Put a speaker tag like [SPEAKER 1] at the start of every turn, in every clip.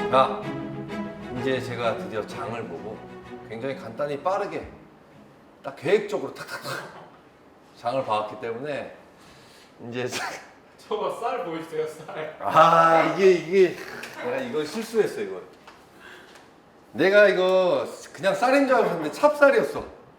[SPEAKER 1] 야, 이제 제가 드디어 장을 보고 굉장히 간단히 빠르게 딱 계획적으로 탁탁탁 장을 봐왔기 때문에 이제
[SPEAKER 2] 저거 쌀 보이세요, 쌀?
[SPEAKER 1] 이게 내가 이거 실수했어. 이거 내가 이거 그냥 쌀인 줄 알았는데 찹쌀이었어.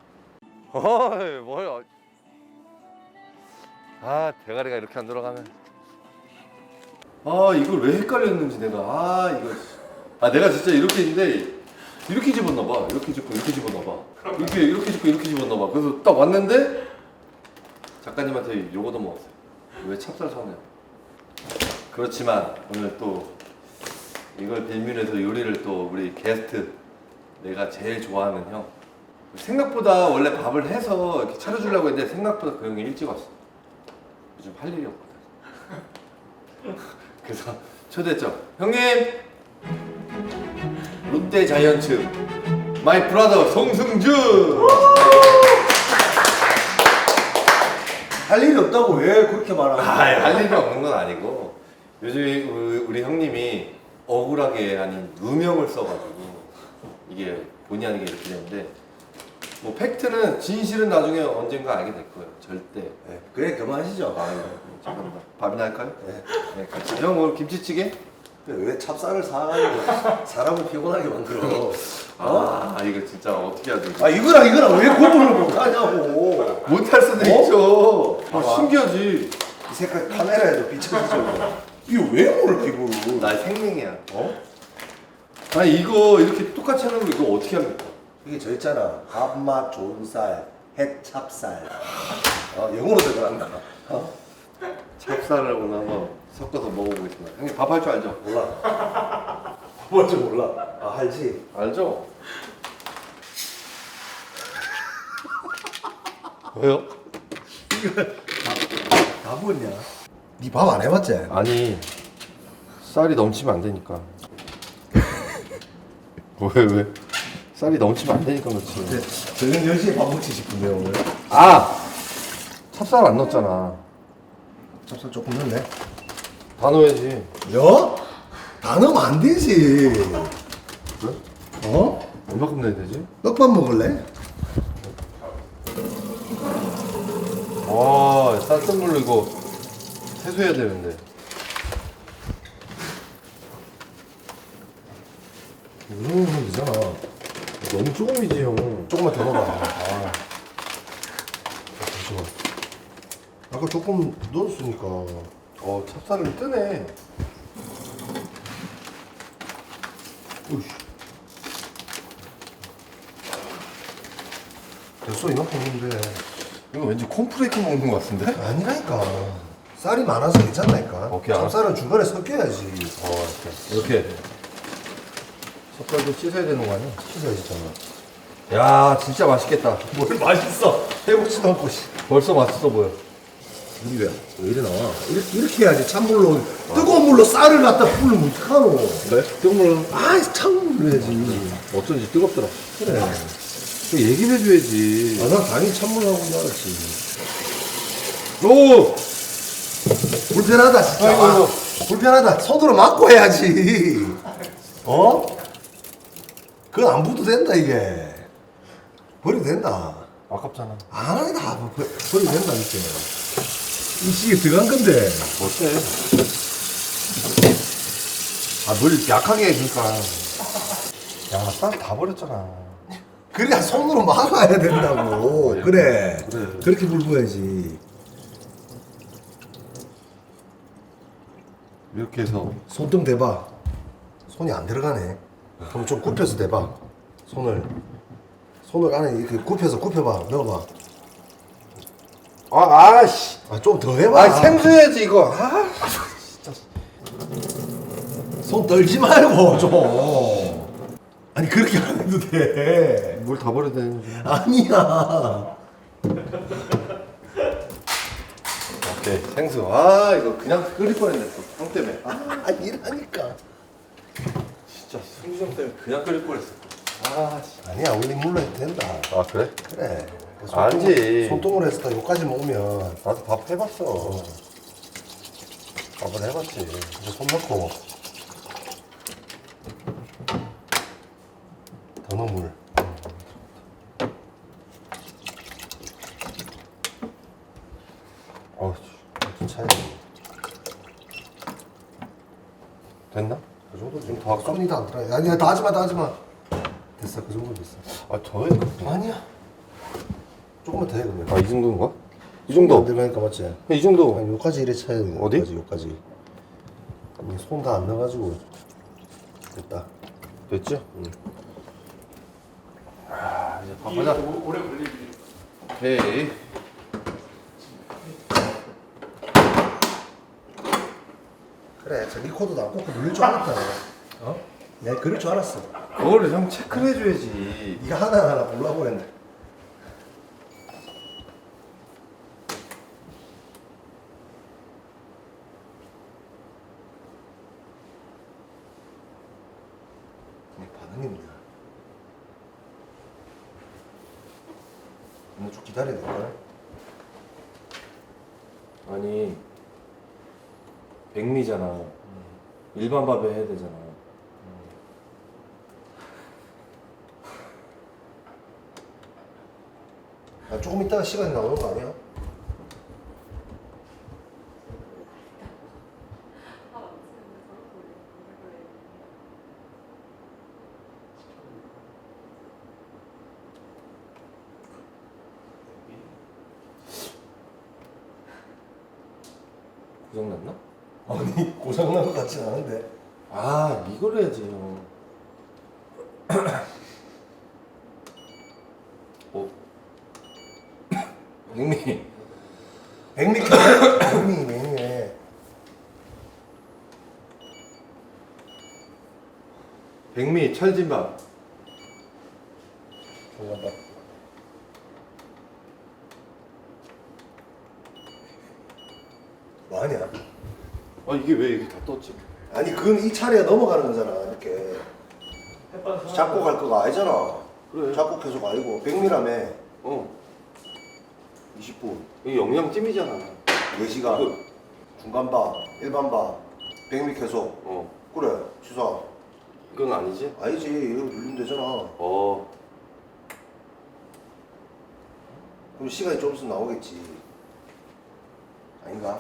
[SPEAKER 1] 뭐야? 대가리가 이렇게 안 돌아가면 이걸 왜 헷갈렸는지 내가 내가 진짜 이렇게 있는데 이렇게 집었나봐. 이렇게 집고 이렇게 집었나봐. 이렇게 집고 이렇게 집었나봐. 그래서 딱 왔는데 작가님한테 요거도 먹었어요. 왜 찹쌀 사냐. 그렇지만 오늘 또 이걸 빌미해서 요리를 또 우리 게스트 내가 제일 좋아하는 형 생각보다 원래 밥을 해서 이렇게 차려주려고 했는데 생각보다 그 형이 일찍 왔어. 요즘 할 일이 없거든. 그래서 초대했죠. 형님! 롯데 자이언츠 마이 브라더 송승준!
[SPEAKER 3] 할 일이 없다고 왜 그렇게 말하는 거야?
[SPEAKER 1] 할 일이 없는 건 아니고 요즘 우리 형님이 억울하게 아닌 누명을 써가지고 이게 본의 아니게 이렇게 되는데 뭐 팩트는 진실은 나중에 언젠가 알게 될 거예요. 절대.
[SPEAKER 3] 네, 그래 그만하시죠.
[SPEAKER 1] 잠깐만. 밥이나 할까요?
[SPEAKER 3] 네.
[SPEAKER 1] 같이. 형 오늘 김치찌개?
[SPEAKER 3] 왜 찹쌀을 사가지고 사람을 피곤하게 만들어?
[SPEAKER 1] 이거 진짜 어떻게 해야 되지?
[SPEAKER 3] 이거랑 왜 구분을 못하냐고.
[SPEAKER 1] 못할 수도 있죠. 신기하지.
[SPEAKER 3] 이 색깔 카메라에도 비춰지죠. 이거 왜 모를 피부를?
[SPEAKER 1] 나 생명이야. 이거 이렇게 똑같이 하는 거 이거 어떻게 합니까?
[SPEAKER 3] 이게 저 있잖아. 밥맛 좋은 쌀, 햇찹쌀. 영어로 들어간다.
[SPEAKER 1] 찹쌀을 오늘 한번 섞어서 먹어보겠습니다. 형님 밥 할 줄 알죠?
[SPEAKER 3] 몰라. 뭔지 몰라. 알지.
[SPEAKER 1] 알죠? 왜요?
[SPEAKER 3] 다 뭐냐? 니 밥 안 해봤지?
[SPEAKER 1] 아니 쌀이 넘치면 안 되니까. 왜? 쌀이 넘치면 안 되니까 그렇지.
[SPEAKER 3] 저녁 10시에 밥 먹지 싶은데 오늘.
[SPEAKER 1] 찹쌀 안 넣었잖아.
[SPEAKER 3] 찹쌀 조금 넣네.
[SPEAKER 1] 다 넣어야지.
[SPEAKER 3] 야? 다 넣으면 안 되지.
[SPEAKER 1] 그래? 얼마큼 넣어야 되지?
[SPEAKER 3] 떡밥 먹을래?
[SPEAKER 1] 쌀뜨물로 이거 세수해야 되는데.
[SPEAKER 3] 이 정도면 되잖아.
[SPEAKER 1] 너무 조금이지 형.
[SPEAKER 3] 조금만 더 넣어봐. 잠시만. 아까 조금 넣었으니까.
[SPEAKER 1] 찹쌀을 뜨네.
[SPEAKER 3] 으이씨. 됐어, 이만큼 넣는데.
[SPEAKER 1] 이거 왠지 콘프레이크 먹는 것 같은데?
[SPEAKER 3] 아니라니까. 쌀이 많아서 괜찮다니까.
[SPEAKER 1] 오케이, 알았어.
[SPEAKER 3] 찹쌀은 중간에 섞여야지.
[SPEAKER 1] 이렇게 젓갈도 씻어야 되는 거 아니야?
[SPEAKER 3] 씻어야지, 잖아.
[SPEAKER 1] 야 진짜 맛있겠다.
[SPEAKER 3] 뭘 맛있어. 해보지도 않고, 씨.
[SPEAKER 1] 벌써 맛있어 보여.
[SPEAKER 3] 우리 왜 이래 나와? 이렇게 해야지. 찬물로, 뜨거운 물로 쌀을 갖다 불면 어떡하노?
[SPEAKER 1] 그래? 뜨거운 물로
[SPEAKER 3] 찬물로 해야지.
[SPEAKER 1] 어쩐지 뜨겁더라.
[SPEAKER 3] 그래.
[SPEAKER 1] 얘기를 해줘야지.
[SPEAKER 3] 난 당연히 찬물로 하고 줄 알았지.
[SPEAKER 1] 오!
[SPEAKER 3] 불편하다, 진짜.
[SPEAKER 1] 아이고.
[SPEAKER 3] 불편하다. 손으로 막고 해야지. 그건 안 부도 된다, 이게. 버려도 된다.
[SPEAKER 1] 아깝잖아.
[SPEAKER 3] 안 하니까 버려도 된다, 이렇게. 이 시계 들어간 건데.
[SPEAKER 1] 어때? 물 약하게 해주니까. 야, 쌀 다 버렸잖아.
[SPEAKER 3] 그래야 손으로 막아야 된다고. 그래.
[SPEAKER 1] 그래.
[SPEAKER 3] 그렇게 불 부어야지.
[SPEAKER 1] 이렇게 해서.
[SPEAKER 3] 손등 대봐. 손이 안 들어가네. 그럼 좀 굽혀서 대봐. 손을 안에 이렇게 굽혀봐. 넣어봐.
[SPEAKER 1] 아씨.
[SPEAKER 3] 좀 더 해봐.
[SPEAKER 1] 생수해야지, 이거.
[SPEAKER 3] 진짜. 손 떨지 말고, 좀. 아니, 그렇게 안 해도 돼.
[SPEAKER 1] 물 다 버려야 되는지.
[SPEAKER 3] 아니야.
[SPEAKER 1] 오케이, 생수. 이거 그냥 끓일 뻔했네, 또. 형 때문에.
[SPEAKER 3] 이라니까.
[SPEAKER 1] 진짜 승주 형 때문에 그냥 끓일 뻔했어.
[SPEAKER 3] 아니야, 원래 물로 해도 된다.
[SPEAKER 1] 그래?
[SPEAKER 3] 그래.
[SPEAKER 1] 알지.
[SPEAKER 3] 손등으로 해서 다 여기까지 먹으면.
[SPEAKER 1] 나도 밥 해봤어.
[SPEAKER 3] 밥을 해봤지. 이제 손 넣고.
[SPEAKER 1] 됐나?
[SPEAKER 3] 그 정도
[SPEAKER 1] 좀더 할까?
[SPEAKER 3] 손이 다 안 들어. 아니야, 다 하지 마, 다 하지 마. 됐어, 그 정도 됐어.
[SPEAKER 1] 아 더해?
[SPEAKER 3] 아니야. 조금만 더 해, 그러면.
[SPEAKER 1] 아 이 정도인가? 이 정도.
[SPEAKER 3] 안 들어가니까 맞지?
[SPEAKER 1] 이 정도.
[SPEAKER 3] 아니, 여기까지 이래 쳐야 돼.
[SPEAKER 1] 어디?
[SPEAKER 3] 여기까지. 손 다 안 넣어가지고. 됐다.
[SPEAKER 1] 됐지?
[SPEAKER 3] 응.
[SPEAKER 1] 아 이제
[SPEAKER 2] 이게
[SPEAKER 1] 밥하자.
[SPEAKER 2] 오래 걸리지.
[SPEAKER 1] 오케이.
[SPEAKER 3] 그래, 저 리코더도 안 꽂고 누를 줄 알았다. 어? 내가 그럴 줄 알았어.
[SPEAKER 1] 그거를 형 체크를 해줘야지.
[SPEAKER 3] 네가 하나하나 보려고 했는데. 반응입니다. 오늘 좀 기다려야 될까?
[SPEAKER 1] 아니 백미잖아. 일반 밥에 해야 되잖아.
[SPEAKER 3] 아, 조금 있다가 시간이 나오는 거 아니야?
[SPEAKER 1] 고장 났나?
[SPEAKER 3] 아니, 고장난 것 같진 않은데.
[SPEAKER 1] 아 이걸 해야지 형. 어? 백미.
[SPEAKER 3] 백미 켜네? 백미네.
[SPEAKER 1] 백미 찰진밥.
[SPEAKER 3] 잠깐만. 뭐하냐?
[SPEAKER 1] 아 이게 왜 이렇게 다 떴지?
[SPEAKER 3] 아니, 그건 이 차례에 넘어가는 거잖아, 이렇게. 잡고 갈 거가 아니잖아.
[SPEAKER 1] 그래.
[SPEAKER 3] 잡고 계속 아니고. 백미라며.
[SPEAKER 1] 어.
[SPEAKER 3] 20분.
[SPEAKER 1] 이게 영양찜이잖아.
[SPEAKER 3] 4시간.
[SPEAKER 1] 이거-
[SPEAKER 3] 중간밥, 일반밥, 백미 계속.
[SPEAKER 1] 어.
[SPEAKER 3] 그래, 주사.
[SPEAKER 1] 이건 아니지?
[SPEAKER 3] 아니지, 이거 눌리면 되잖아.
[SPEAKER 1] 어.
[SPEAKER 3] 그럼 시간이 좀 있으면 나오겠지. 아닌가?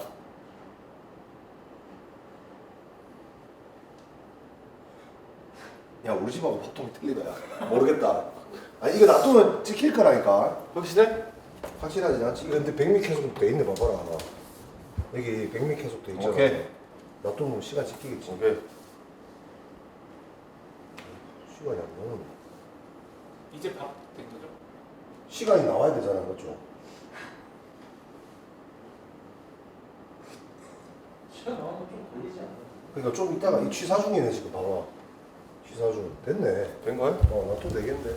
[SPEAKER 3] 야, 우리 집하고 보통 틀리다. 야. 모르겠다. 아니, 이거 놔두면 찍힐 거라니까.
[SPEAKER 1] 확실해?
[SPEAKER 3] 확실하지 않지? 이거 근데 백미 계속 돼 있네, 봐봐라. 여기 백미 계속 돼 있잖아.
[SPEAKER 1] 오케이.
[SPEAKER 3] 놔두면 시간 찍히겠지.
[SPEAKER 1] 오케이.
[SPEAKER 3] 시간이 안 나오네.
[SPEAKER 2] 이제 밥 된 거죠?
[SPEAKER 3] 시간이 나와야 되잖아, 그렇죠?
[SPEAKER 2] 시간 나오면 좀 걸리지 않나?
[SPEAKER 3] 그러니까 좀 이따가 이 취사 중이네, 지금 봐봐. 취사 중. 됐네.
[SPEAKER 1] 된 거야?
[SPEAKER 3] 놔둬도 되겠네.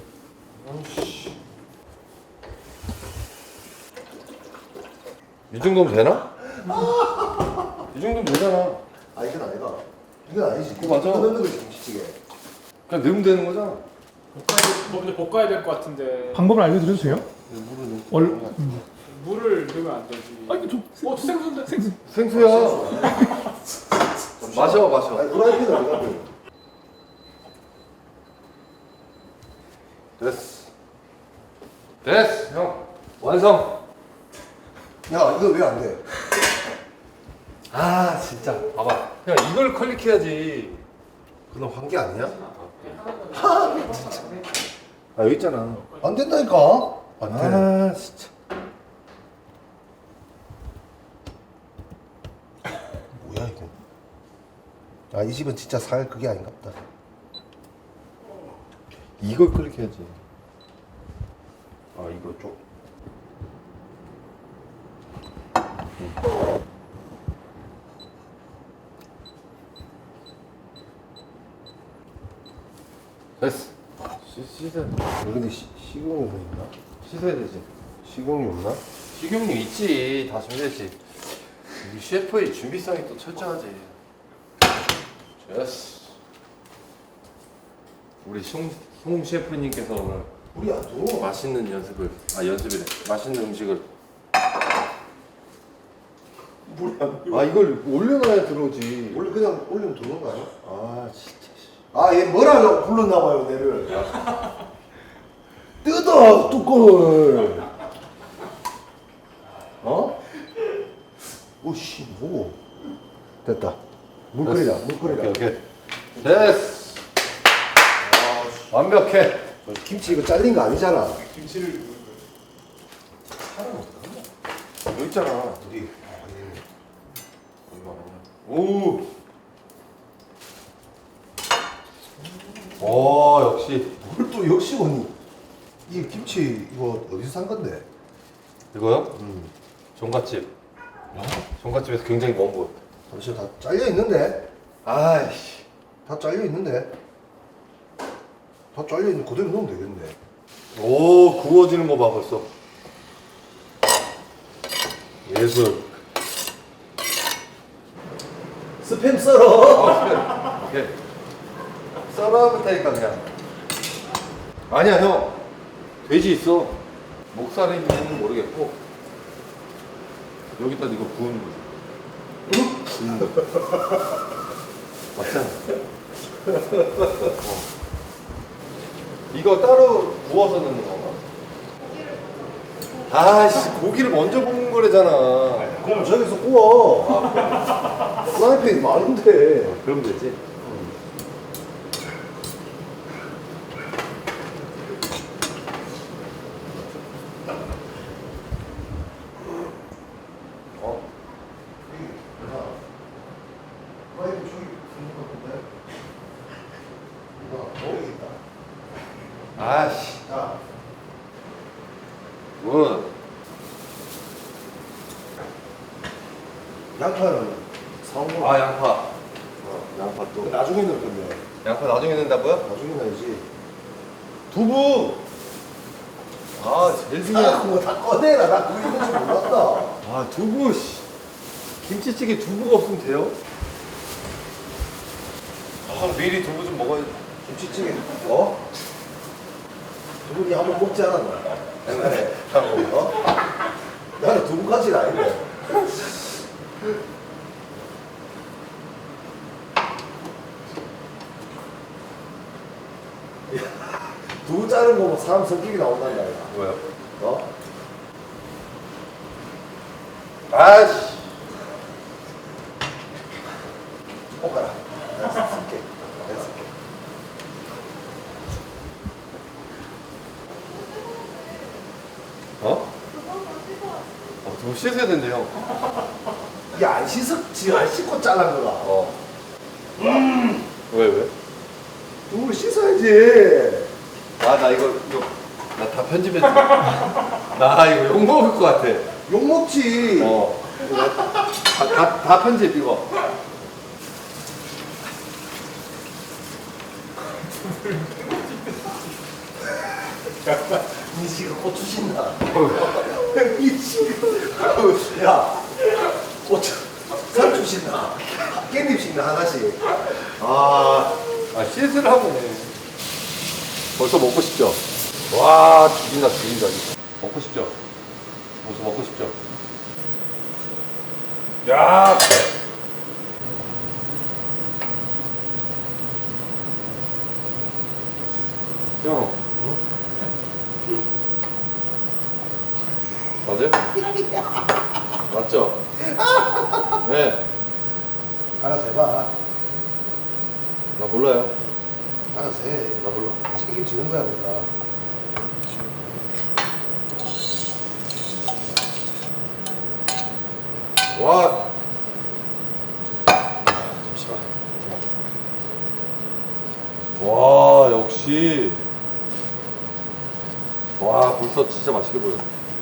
[SPEAKER 1] 이 정도면 되나? 이 정도면 되잖아.
[SPEAKER 3] 아, 이건 아니다. 이건 아니지.
[SPEAKER 1] 그거 맞아.
[SPEAKER 3] 이거 넣는 거지, 김치찌개.
[SPEAKER 1] 그냥 넣으면 되는 거잖아.
[SPEAKER 2] 근데 볶아야 될 것 같은데
[SPEAKER 4] 방법을 알려드려도 돼요?
[SPEAKER 1] 물을
[SPEAKER 4] 얼-
[SPEAKER 2] 물을 넣으면 안 되지.
[SPEAKER 4] 아니 저
[SPEAKER 2] 생선데?
[SPEAKER 4] 생수
[SPEAKER 1] 생수야. 마셔 마셔.
[SPEAKER 3] 아니, 후라이팬은 안 가고.
[SPEAKER 1] 됐어. 됐어 형. 완성.
[SPEAKER 3] 야, 이거 왜 안 돼?
[SPEAKER 1] 아 진짜. 봐봐. 야 이걸 클릭해야지.
[SPEAKER 3] 그럼 한 게 아니야?
[SPEAKER 1] 아 여기 있잖아.
[SPEAKER 3] 안 된다니까? 안 돼.
[SPEAKER 1] 아 진짜.
[SPEAKER 3] 뭐야, 이거? 아, 이 집은 진짜 살 그게 아닌가 보다.
[SPEAKER 1] 이걸 클릭해야지. 아 이거 좀. 됐어. 씻어야 돼.
[SPEAKER 3] 근데 식용유 있나?
[SPEAKER 1] 씻어야 되지.
[SPEAKER 3] 식용유 없나?
[SPEAKER 1] 식용유 있지. 다 준비했지. 우리 셰프의 준비성이 또 철저하지. 됐어. 우리 송 셰프님께서 오늘
[SPEAKER 3] 우리 안 줘.
[SPEAKER 1] 맛있는 연습이래. 맛있는 음식을. 아 이걸 올려놔야 들어오지.
[SPEAKER 3] 원래 그냥 올리면 들어오는 거 아니야?
[SPEAKER 1] 아 진짜.
[SPEAKER 3] 아, 얘 뭐라고 불렀나 봐요, 내를. 뜯어, 뚜껑을. 어? 오씨, 뭐. 됐다. 물 끓이자, 물 끓이자.
[SPEAKER 1] 오케이. 됐어. 완벽해.
[SPEAKER 3] 김치 이거 잘린 거 아니잖아.
[SPEAKER 2] 김치를 넣는 거예요.
[SPEAKER 1] 여기 있잖아.
[SPEAKER 3] 어디?
[SPEAKER 1] 오. 오, 역시.
[SPEAKER 3] 뭘 또 역시 원이. 이 김치 이거 어디서 산 건데?
[SPEAKER 1] 이거요? 종갓집. 종갓집에서 굉장히 먼 곳.
[SPEAKER 3] 잠시 다 잘려 있는데?
[SPEAKER 1] 아이씨.
[SPEAKER 3] 다 잘려 있는데? 다 잘려 있는 그대로 넣으면 되겠네.
[SPEAKER 1] 오, 구워지는 거 봐, 벌써. 예술.
[SPEAKER 3] 스팸 썰어.
[SPEAKER 1] 오케이. 썰어붙다니까 그냥. 아니야, 형. 돼지 있어. 목살인지는 모르겠고. 여기다 이거 구우는 거지. 맞잖아. 이거 따로 구워서 넣는 건가? 아씨, 고기를 먼저 볶는 거래잖아.
[SPEAKER 3] 그럼 저기서 구워. 프라이팬이 많은데.
[SPEAKER 1] 그러면 되지.
[SPEAKER 3] 어? 프라이팬 저기 있는 것 같은데? 이거 여기 있다.
[SPEAKER 1] 아씨.
[SPEAKER 3] 야,
[SPEAKER 1] 뭐?
[SPEAKER 3] 양파는 사온 거.
[SPEAKER 1] 아, 양파. 양파 또.
[SPEAKER 3] 나중에 넣을 건데.
[SPEAKER 1] 양파 나중에 넣는다고요?
[SPEAKER 3] 나중에 넣어야지.
[SPEAKER 1] 두부. 아, 제일 중요한.
[SPEAKER 3] 뭐다 꺼내라. 나 그거 있는지 몰랐다.
[SPEAKER 1] 아, 두부. 씨. 김치찌개 두부가 없으면 돼요? 아, 미리 두부 좀 먹어야지.
[SPEAKER 3] 김치찌개. 어? 두부니 한번 먹지 않았나? 옛날에. 어? 나는 두부까지는 아닌데. 두부 자른 거 보면 사람 성격이 나온단다. 이거.
[SPEAKER 1] 뭐야?
[SPEAKER 3] 어?
[SPEAKER 1] 아씨.
[SPEAKER 3] 볶아라. 내가 쓸게. 내가 쓸게.
[SPEAKER 1] 어? 두부 씻어야 된대요.
[SPEAKER 3] 야, 안 씻었지. 안 씻고 잘란 거가.
[SPEAKER 1] 어. 왜?
[SPEAKER 3] 두부를 씻어야지.
[SPEAKER 1] 아, 나 이거 나 다 편집했어. 나 이거 욕 먹을 것 같아.
[SPEAKER 3] 욕 먹지.
[SPEAKER 1] 어. 다 편집 이거.
[SPEAKER 3] 니 지금 고추 신나. 니 지금. 야, 고추. 상추 신나. 깻잎 신나, 하나씩.
[SPEAKER 1] 아, 씻으라고 벌써 먹고 싶죠? 와, 죽인다. 먹고 싶죠? 벌써 먹고 싶죠? 야! 형. 맞아요? 맞죠? 네.
[SPEAKER 3] 알아서 해봐.
[SPEAKER 1] 나 몰라요.
[SPEAKER 3] 알아서 해.
[SPEAKER 1] 나 몰라.
[SPEAKER 3] 책임지는 거야, 우리가.
[SPEAKER 1] 와.
[SPEAKER 3] 잠시만.
[SPEAKER 1] 와, 역시. 와, 벌써 진짜 맛있게 보여.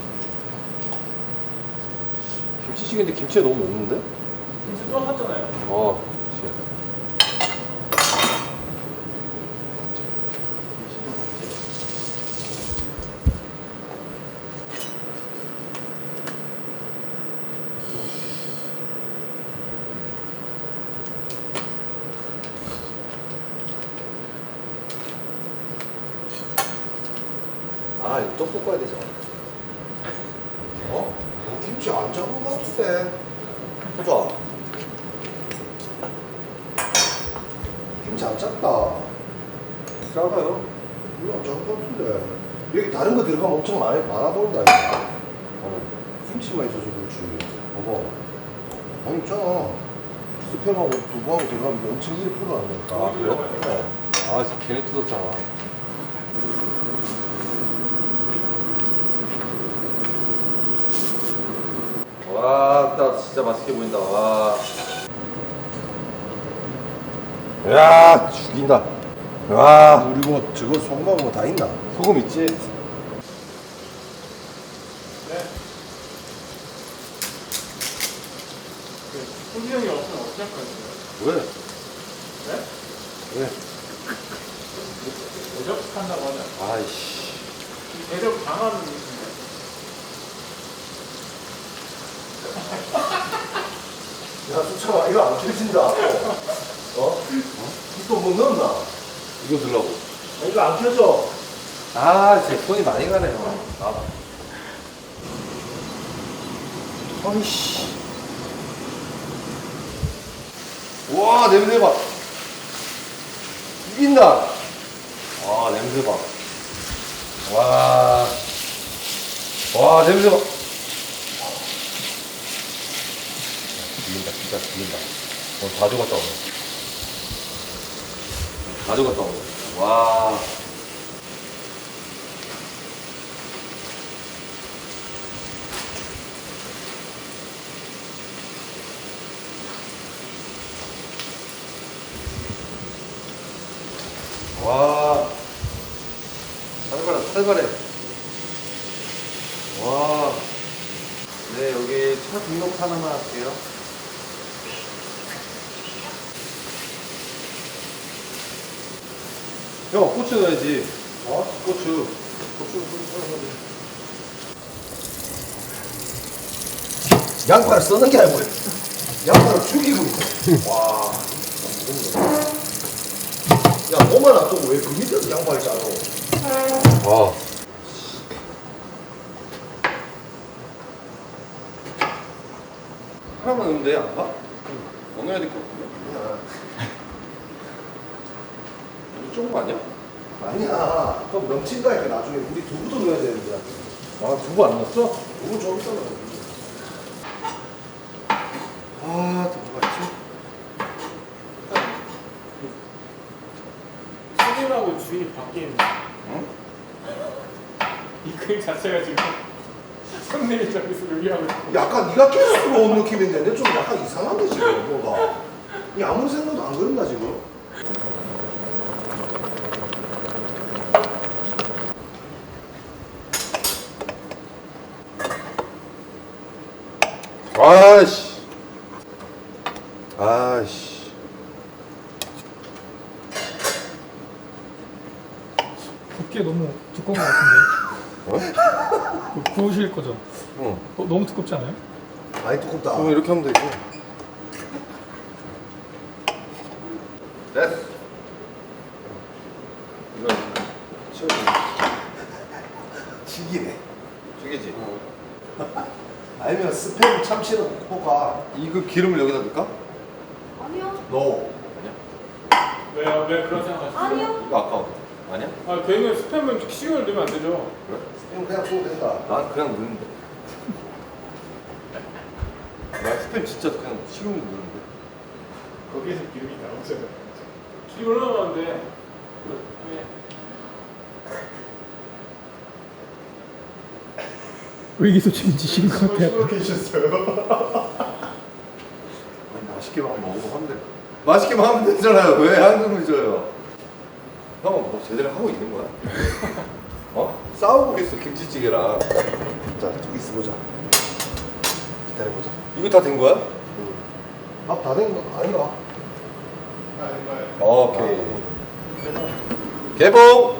[SPEAKER 1] 김치찌개인데 김치가 너무 없는데?
[SPEAKER 2] 김치 또 샀잖아요.
[SPEAKER 1] 그치.
[SPEAKER 3] 아, 이거 또 볶아야 되잖아. 어? 김치 안 작은 것 같은데. 보자. 김치 안 작다.
[SPEAKER 1] 작아요.
[SPEAKER 3] 이거 안 작은 것 같은데. 여기 다른 거 들어가면 엄청 많아 보인다, 이거. 김치만 있어서 그렇지. 봐봐. 많이 있잖아. 스팸하고 두부하고 들어가면 엄청 1% 안되니까.
[SPEAKER 1] 아, 그래요? 아, 진짜 괜히 뜯었잖아. 와, 딱 진짜 맛있게 보인다. 와. 야, 죽인다. 와,
[SPEAKER 3] 우리 뭐 저거 소금하고 뭐 다 있나?
[SPEAKER 1] 소금 있지?
[SPEAKER 2] 손이 형이 없으면 어떻게 할 거예요?
[SPEAKER 1] 왜?
[SPEAKER 2] 네?
[SPEAKER 1] 왜?
[SPEAKER 2] 대접한다고 하냐?
[SPEAKER 1] 아이씨.
[SPEAKER 2] 대접 당하는 분이신데.
[SPEAKER 3] 야, 수찬아, 이거 안 켜진다. 어? 또 뭐 넣었나?
[SPEAKER 1] 이거 들라고.
[SPEAKER 3] 이거 안 켜져.
[SPEAKER 1] 아, 제 손이 많이 가네요. 아. 아이씨. 와, 냄새 봐. 죽인다. 와, 냄새 봐. 와. 와, 냄새 봐. 죽인다, 진짜 죽인다. 오늘 다 죽었다, 오늘. 다 죽었다, 오늘. 와. 와, 살벌해, 살벌해. 와, 네, 여기 차 등록 하나만 할게요. 형, 고추 넣어야지. 어? 고추.
[SPEAKER 3] 양파를 쓰는 게 아니고 양파를 죽이고 있어. 와. 야, 뭐만 놔두고 왜 그 밑에서 양파를 짜노?
[SPEAKER 1] 와. 하나만 넣으면 돼, 안 봐? 넣어야 될 것 같은데? 이거 조금 아니야?
[SPEAKER 3] 아니야. 그럼 넘친다니까 나중에 우리 두부도 넣어야 되는데.
[SPEAKER 1] 아, 두부 안 넣었어?
[SPEAKER 3] 두부 좀 있잖아.
[SPEAKER 1] 아, 두부가 있지?
[SPEAKER 2] 손님하고 주인이 바뀐
[SPEAKER 1] 응?
[SPEAKER 2] 이 그림 자체가 지금 손님이 저기서 요리하고 있고.
[SPEAKER 3] 약간 네가 계속 온 느낌인데 근데 좀 약간 이상한데 지금 뭐가. 이 아무 생각도 안 그런다 지금.
[SPEAKER 1] 아이씨. 아이씨.
[SPEAKER 4] 굽기에 너무 두꺼운 것 같은데.
[SPEAKER 1] 어?
[SPEAKER 4] 구우실 거죠?
[SPEAKER 1] 응.
[SPEAKER 4] 너무 두껍지 않아요?
[SPEAKER 3] 많이 두껍다.
[SPEAKER 1] 그럼 이렇게 하면 되지. 됐어. 이거 치워줘.
[SPEAKER 3] 튀기네.
[SPEAKER 1] 죽이지?
[SPEAKER 3] 아니면 스팸 참치는 볶아.
[SPEAKER 1] 이거 기름을 여기다 넣을까?
[SPEAKER 5] 아니요.
[SPEAKER 3] 너.
[SPEAKER 2] 왜요? 왜 그런 생각하시죠?
[SPEAKER 5] 아니요.
[SPEAKER 1] 이거 아까워. 아니야?
[SPEAKER 2] 아, 걔는 스팸은 식용을 넣으면 안 되죠.
[SPEAKER 1] 그래?
[SPEAKER 3] 스팸 그냥 구우면 된다.
[SPEAKER 1] 난 그냥 넣는데. 나 스팸 진짜 그냥 식용유 넣는데.
[SPEAKER 2] 거기에서 기름이 나오잖아요. 기름 얼마나 많은데? 왜?
[SPEAKER 4] 의기소침인지 식은 것 같아요.
[SPEAKER 2] 계셨어요?
[SPEAKER 1] 맛있게만 먹고 하면 돼. 맛있게만 하면 되잖아요. 왜 한숨을 쉬어요? 형은 뭐 제대로 하고 있는 거야? 어? 싸우고 있어 김치찌개랑.
[SPEAKER 3] 자, 좀 있어보자. 기다려보자.
[SPEAKER 1] 이거 다 된 거야?
[SPEAKER 3] 밥 다 된 거 아닌가?
[SPEAKER 1] 오케이. 개봉.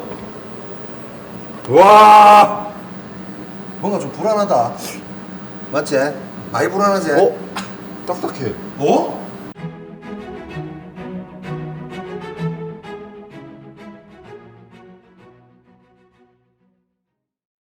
[SPEAKER 1] 와.
[SPEAKER 3] 뭔가 좀 불안하다. 맞지? 많이 불안하지?
[SPEAKER 1] 어? 딱딱해.
[SPEAKER 3] 어?